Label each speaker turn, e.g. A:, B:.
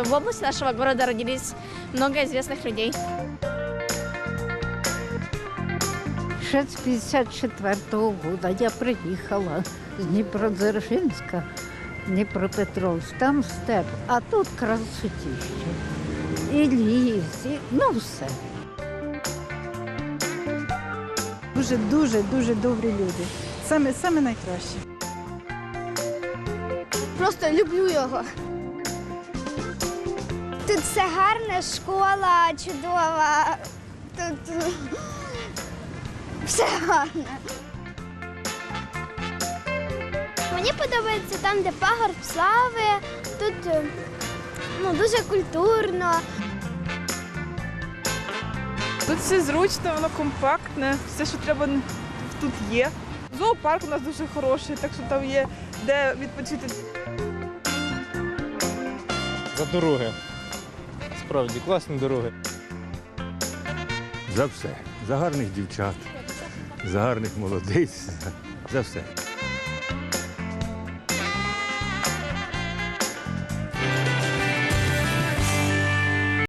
A: в области нашего города родились много известных людей.
B: Ще з 54-го года я приїхала з Дніпродзержинська, Дніпропетровськ, там степ, а тут красотіще. І ліс, і все.
C: Дуже добрі люди. Саме найкраще.
D: Просто люблю його. Тут все гарне, школа чудова. Тут все гарне. Мені подобається там, де пагорб слави. Тут дуже культурно.
E: Тут все зручно, воно компактне, все, що треба, тут є. Зоопарк у нас дуже хороший, так що там є де відпочити.
F: За дороги. Справді, класні дороги.
G: За все. За гарних дівчат, за гарних молодиць, за все.